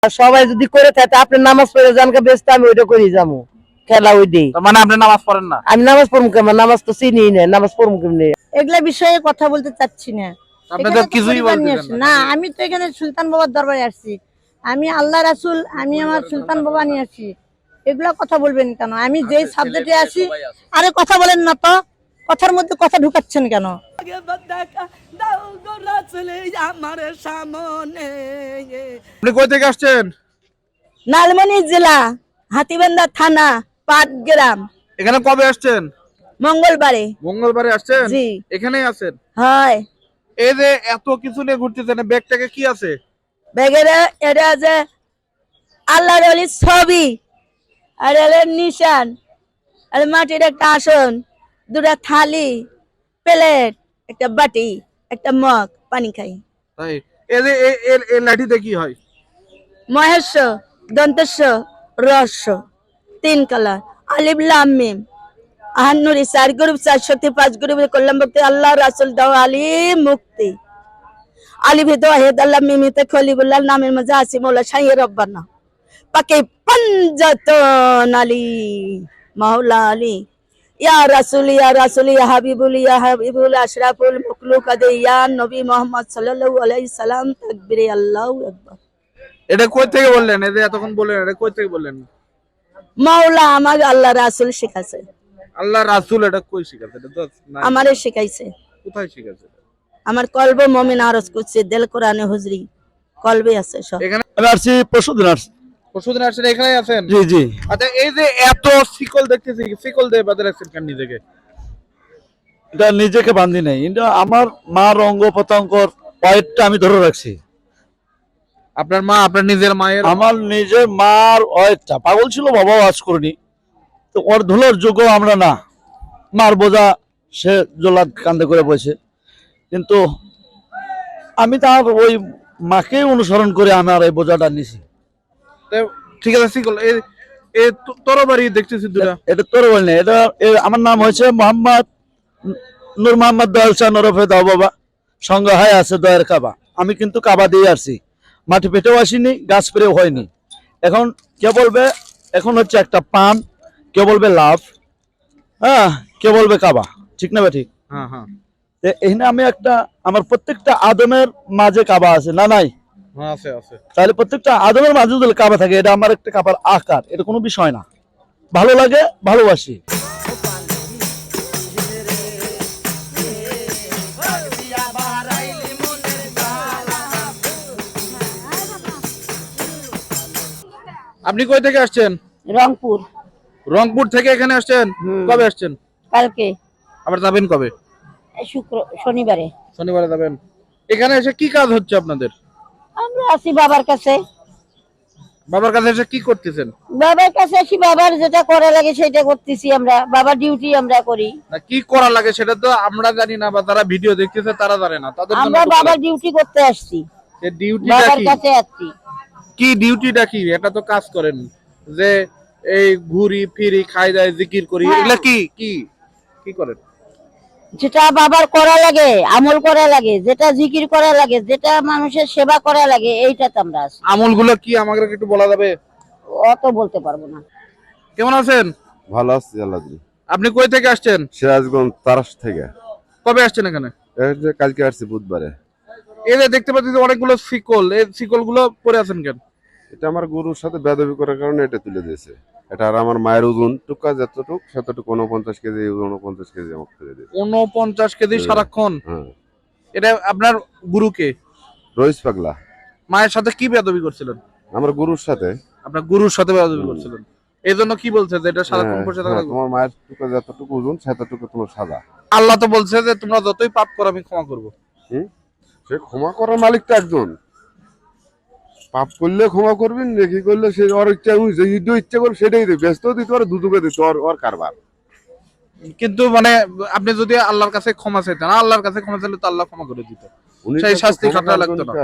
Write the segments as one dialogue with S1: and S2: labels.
S1: সবাই যদি করে থাকে আপনি নামাজ পড়ে জানকে ব্যস্ত আমি ওইটা করে যাবো খেলা ওই দিই।
S2: মানে আপনি নামাজ পড়েন না?
S1: আমি নামাজ পড়বো কেমন? নামাজ তো চিনি না, নামাজ পড়বো কেমনি?
S3: এগুলা বিষয়ে কথা বলতে চাচ্ছি না।
S2: আপনি তো কিছুই বলতেছেন
S3: না, আমি তো এখানে সুলতান বাবার দরবারে আসছি। আমি আল্লাহ রাসূল, আমি আমার সুলতান বাবা নিয়ে আসছি। এগুলা কথা বলবেন কেন? আমি যেই সাবজেক্টে আসি, আরে কথা বলেন না তো, কথার মধ্যে কথা ঢুকাচ্ছেন কেন?
S2: আপনি কই থেকে আসছেন?
S3: লালমনি জেলা, হাতীবান্ধা থানা, পাটগ্রাম।
S2: এখানে কবে আসছেন?
S3: মঙ্গলবারে।
S2: মঙ্গলবারে আসছেন?
S3: জি।
S2: এখানেই আছেন?
S3: হয়।
S2: এই যে এত কিছু নিয়ে ঘুরতেছেন, ব্যাগটাকে কি আছে?
S3: বেগেরে এটা যে আল্লাহর ওলির ছবি, আর এলের নিশান, আর মাটির একটা আসন, দুটা থালি, প্লেট, একটা বাটি, একটা মগ, পানি খাই।
S2: তাই এই যে এই লাঠিতে কি হয়?
S3: মহেশ্ব, দন্তেশ্ব, রহস্য, 3 কালার, আলিফ লাম মিম, আহান্নুরি 4 গ্রুপ 4 শক্তি 5 গ্রুপে করলাম ভক্তি, আল্লাহ রাসূল দাও আলী মুক্তি, আলিফে দোহেদ আল্লাহ মিমিতে খলিবুল্লাহ, নামের মাঝে আছে মৌলা শাহির রব্বানা পাকে পঞ্জাতন আলী মাওলা আলী, ইয়া রাসূল ইয়া রাসূল ইয়া হাবিবুল ইয়া হাবিবুল আশরাফুল মাখলুকাত ইয়া নবী মুহাম্মদ সাল্লাল্লাহু আলাইহি সাল্লাম, তাকবীরে আল্লাহু আকবার।
S2: এটা কই থেকে বললেন? এই যে এতক্ষণ বললেন, এটা কই থেকে বললেন?
S3: মাওলা আমার আল্লাহ রাসূল শিখাছে।
S2: আল্লাহ রাসূল এটা কই শিখাছে? এটা তো নাই।
S3: আমারে শিখাইছে।
S2: কোথায় শিখাছে?
S3: আমার কলবে মুমিন আরজ করছে, দিল কোরআনে হুজরি কলবে আছে সব।
S2: এখানে
S4: আমি আসছি পরশুদিন আসছি।
S2: পরশুদিন আসছেন, এখানেই আছেন?
S4: জি জি।
S2: আচ্ছা, এই যে এত শিকল দেখতেছি, শিকল দিয়ে বাঁধে রাখছেন কেন নিজেকে?
S4: এটা নিজেকে বান্ধি নাই, এটা আমার মার অঙ্গ প্রত্যঙ্গর ওয়েটটা আমি ধরে রাখছি।
S2: আপনার মা, আপনার নিজের মায়ের?
S4: আমার নিজের মার ওয়েটটা পাগল ছিল, বাবাও আজ করিনি, তো ওর ধুলোর যোগ্য আমরা না। মার বোঝা সে জোলাদ কান্দে করে বসে, কিন্তু আমি তার ওই মাকে অনুসরণ করে আমার এই বোঝাটা নিছি।
S2: ঠিক আছে, শিকল এই তরবারি দেখতেছি দুটা।
S4: এটা তোর বল না, এটা আমার নাম হয়েছে মোহাম্মদ নূর মোহাম্মদ দয়াল শাহ নরফে দাও বাবা, সঙ্গে হয় আছে দয়ের কাবা। আমি কিন্তু কাবা দিয়ে আসছি, মাটি পেটেও আসিনি, গাছ পেরেও হয়নি। এখন কে বলবে এখন হচ্ছে একটা পান, কে বলবে লাভ, হ্যাঁ, কে বলবে কাবা, ঠিক না ঠিক?
S2: হ্যাঁ হ্যাঁ
S4: এখানে আমি একটা, আমার প্রত্যেকটা আদমের মাঝে কাবা আছে না নাই?
S2: হ্যাঁ, আছে আছে।
S4: তাহলে প্রত্যেকটা আদমের মাঝে যদি কাবা থাকে, এটা আমার একটা কাবার আকার, এটা কোনো বিষয় না। ভালো লাগে, ভালোবাসি।
S2: আপনি কই থেকে আসছেন?
S3: রংপুর।
S2: রংপুর থেকে এখানে আসছেন? কবে আসছেন?
S3: কালকে।
S2: আবার যাবেন কবে?
S3: শনিবারে।
S2: শনিবারে যাবেন। এখানে এসে কি কাজ হচ্ছে আপনাদের?
S3: আমরা আছি বাবার কাছে।
S2: বাবার কাছে এসে কি করতেছেন?
S3: বাবার কাছে আসি, বাবার যেটা করা লাগে সেটা করতেছি আমরা, বাবার ডিউটি আমরা করি।
S2: না, কি করা লাগে সেটা তো আমরা জানি না, বা যারা ভিডিও দেখতেছে তারা জানে না, তাদের জন্য
S3: আমরা বাবার ডিউটি করতে আসছি,
S2: এই ডিউটিটা
S3: বাবার
S2: কি?
S3: কাছে আসছি।
S2: কি ডিউটিটা কি? এটা তো কাজ করেন যে এই ঘুরি ফিরি, খাই দাই, জিকির করি,
S3: হ্যাঁ।
S2: এগুলা কি কি কি করেন?
S3: যেটা বাবার করা লাগে, আমল করা লাগে, যেটা জিকির করা লাগে, যেটা মানুষের সেবা করা লাগে, এইটাতে আমরা আছি।
S2: আমলগুলো কি আমাকে একটু বলা যাবে?
S3: অত বলতে পারবো না।
S2: কেমন আছেন?
S5: ভালো আছি আল্লাহ দিলে।
S2: আপনি কই থেকে আসছেন?
S5: সিরাজগঞ্জ তারাস থেকে।
S2: কবে আসছেন এখানে?
S5: এই যে কালকে আসছি বুধবারে।
S2: এই যে দেখতে পাচ্ছি যে অনেকগুলো শিকল, এই শিকল গুলো পরে আছেন কেন?
S5: এটা আমার গুরুর সাথে বেদবি করার কারণে এটা তুলে দিয়েছে। এটা আর আমার মায়ের ওজন টুকা যতটুক সেতটুকু 49 কেজি, 49 কেজি আমাকে তুলে দিয়েছে।
S2: 49 কেজি সারাক্ষণ?
S5: হ্যাঁ।
S2: এটা আপনার গুরুকে?
S5: রইস পাগলা।
S2: মায়ের সাথে কি বেয়াদবি করছিলেন?
S5: আমার গুরুর সাথে।
S2: আপনার গুরুর সাথে বেয়াদবি করছিলেন, এই জন্য কি বলছে যে এটা সারাক্ষণ
S5: হ্যাঁ,
S2: বসে থাকা লাগবে?
S5: তোমার মায়ের টুকা যতটুকু ওজন সেতটুকু তোমার সাদা।
S2: আল্লাহ তো বলছে যে তোমরা যতই পাপ করো আমি ক্ষমা করবো।
S5: সে ক্ষমা করার মালিক তো একজন। পাপ করলে ক্ষমা করবেন, নেকি করলে সে ওর ইচ্ছা, ইচ্ছা করবে সেটাই দেবে, ব্যস্ত দিতে পারে, দুদুকে দিতে ওর কারবার।
S2: কিন্তু মানে আপনি যদি আল্লাহর কাছে ক্ষমা চাইতেন, আল্লাহর কাছে ক্ষমা চাইলে তো আল্লাহ ক্ষমা করে দিত, সেই শাস্তি খাটা লাগতো না।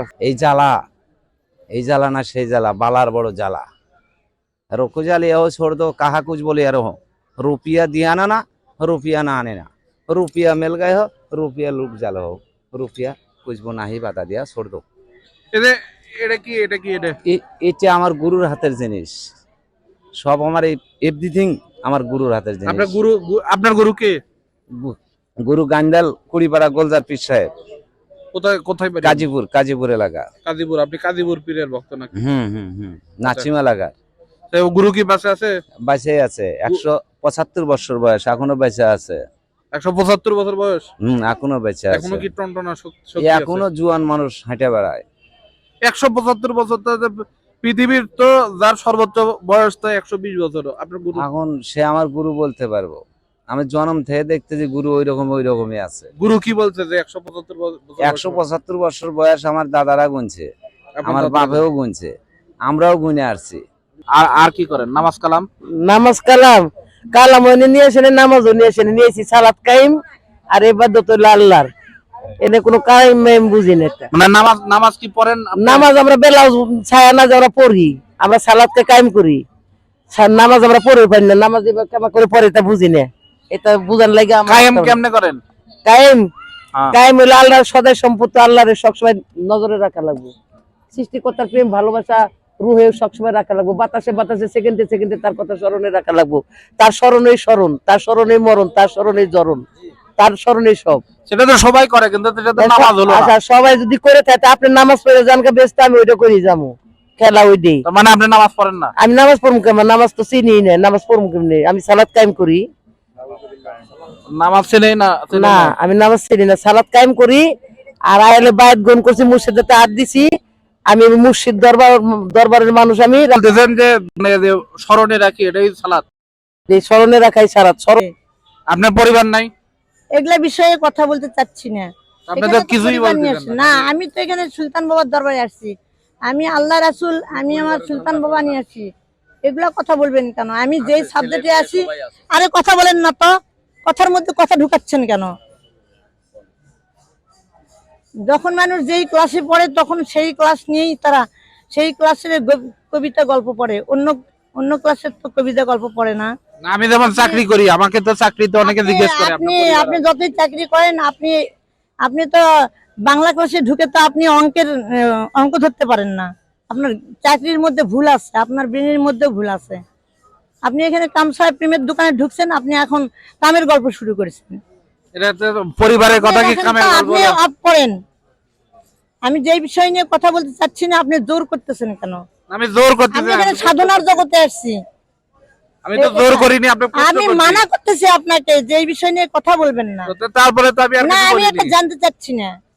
S6: এই জ্বালা না সেই জ্বালা, বালার বড় জ্বালা। रोको जाले हो छोड़ दो, कहा कुछ बोले यार हो, रुपया दिया ना, रुपया ना आने ना, रुपया मिल गए हो, रुपया लुट जालो हो, रुपया कुछ वो नहीं बता दिया, छोड़ दो।
S2: এই যে এটা কি এটা কি এটা
S6: এটা আমার গুরুর হাতের জিনিস, সব আমার এভরিথিং আমার গুরুর হাতের জিনিস।
S2: আপনার গুরু কে?
S6: গুরু গান্ডাল কুড়িপাড়া গোলজার পীর সাহেব,
S2: কোথায় কোথায় বাড়ি?
S6: কাজীপুর এলাকা।
S2: কাজীপুর। আপনি কাজীপুর পীরের ভক্ত নাকি?
S6: নাচিম এলাকা।
S2: তো গুরু কি বাঁচে আছে?
S6: বাইসে আছে, 175 বছর বয়স, এখনো বেঁচে আছে।
S2: 175 বছর বয়স?
S6: এখনো বেঁচে আছে।
S2: এখনো কি টনটনা শক্তি আছে?
S6: এখনো জুয়ান মানুষ হেঁটে বেড়ায়।
S2: 175 বছর তো পৃথিবীর তো যার সর্বোচ্চ বয়স তো 120 বছর। আপনার গুরু?
S6: এখন সে আমার গুরু বলতে পারবো, আমি জন্ম থেকে দেখতে যে গুরু ওই রকমই আছে।
S2: গুরু কি বলছে যে 175 বছর?
S6: 175 বছর বয়স আমার দাদারা গুনছে, আমার বাপেও গুনছে, আমরাও গুনে আসছি।
S2: আর কি করেন? নামাজ কালাম?
S1: নামাজ কালাম নিয়ে আসেন, নামাজও নিয়ে আসেন, নিয়েছি সালাত কাইম আর ইবাদত হলো আল্লাহর। এনে কোনো কাইম মাইম বুঝি না এটা।
S2: মানে নামাজ কি পড়েন?
S1: নামাজ আমরা বেলা ছায়া না আমরা পড়ি, আমরা সালাতকে কায়েম করি। নামাজ আমরা পড়ে পারি না, নামাজ কেমন করে পড়ে এটা বুঝি না। এটা বুঝার লাগে
S2: কায়েম কেমনে করেন?
S1: কায়েম হলো আল্লাহর সদাই সম্পত্তি, আল্লাহর সবসময় নজরে রাখা লাগবে। সৃষ্টিকর্তার প্রেম ভালোবাসা রুহে সবসময় রাখা লাগবে, বাতাসে বাতাসে সেকেন্ডে সেকেন্ডে তার কথা স্মরণে রাখা লাগবে। তার স্মরণেই স্মরণ, তার স্মরণেই মরণ, তার স্মরণেই জরণ, তার স্মরণেই সব।
S2: সেটা তো সবাই করে, কিন্তু সেটা তো নামাজ হলো না।
S1: আচ্ছা, সবাই যদি করে থাকে আপনি নামাজ পড়ে জানকে ব্যস্ত, আমি ওইটা করি যাবো খেলা ওই দিই।
S2: তার মানে আপনি নামাজ পড়েন না?
S1: আমি নামাজ পড়বো কেমন? নামাজ তো চিনি না, নামাজ পড়বো কেমনি? আমি সালাত কায়েম করি।
S2: নামাজ ছেলে না?
S1: না, আমি নামাজ চিনি না, সালাত কায়েম করি। আর আয়ালে বায়াত গ্রহণ করছি, মুর্শিদাতে হাত দিছি। আমি মুর্শিদ দরবারের মানুষ। আমি
S2: বলতেছেন যে মানে যে স্মরণে রাখি এটাই সালাত?
S1: এই স্মরণে রাখাই সালাত।
S2: আপনার পরিবার নাই?
S3: এগুলা বিষয়ে কথা বলতে চাচ্ছি না।
S2: আপনি তো
S3: এখানে তো
S2: কিছুই
S3: পরিবার নিয়ে
S2: বলতেছেন
S3: আসছি।
S2: না।
S3: না, আমি তো এখানে সুলতান বাবার দরবারে আসছি। আমি আল্লাহ রাসূল, আমি আমার সুলতান বাবা নিয়ে আসছি। এগুলা কথা বলবেন কেন? আমি যেই সাবজেক্টে আসি, আরে কথা বলেন না তো, কথার মধ্যে কথা ঢুকাচ্ছেন কেন? যখন মানুষ যেই ক্লাসে পড়ে তখন সেই ক্লাস নিয়েই তারা সেই ক্লাসের কবিতা গল্প পড়ে, অন্য ক্লাসের তো কবিতা গল্প পড়ে না।
S2: না, আমি যেমন চাকরি করি, আমাকে তো চাকরিতে অনেকে জিজ্ঞেস করে
S3: আপনি যতই চাকরি করেন, আপনি তো বাংলা ক্লাসে ঢুকে তো আপনি অঙ্ক ধরতে পারেন না। আপনার চাকরির মধ্যে ভুল আছে, আপনার ব্রেনের মধ্যে ভুল আছে। আপনি এখানে কামসাহেব প্রেমের দোকানে ঢুকছেন, আপনি এখন কামের গল্প শুরু করেছেন।
S2: এটা তো পরিবারের কথা কি কামে
S3: আপনি আপ করেন। আমি যেই বিষয় নিয়ে কথা বলতে চাচ্ছি না, আপনি জোর করতেছেন কেন?
S2: আমি জোর করতেছি
S3: আমি এখানে সাধনার জগতে আসছি,
S2: আমি তো জোর করিনি। আপনি
S3: আমি মানা করতেছি আপনাকে যে এই বিষয় নিয়ে কথা বলবেন না।
S2: তারপরে তো আমি আর
S3: না,
S2: কিছু
S3: আমি এটা
S2: বলিনি।
S3: জানতে চাচ্ছি না।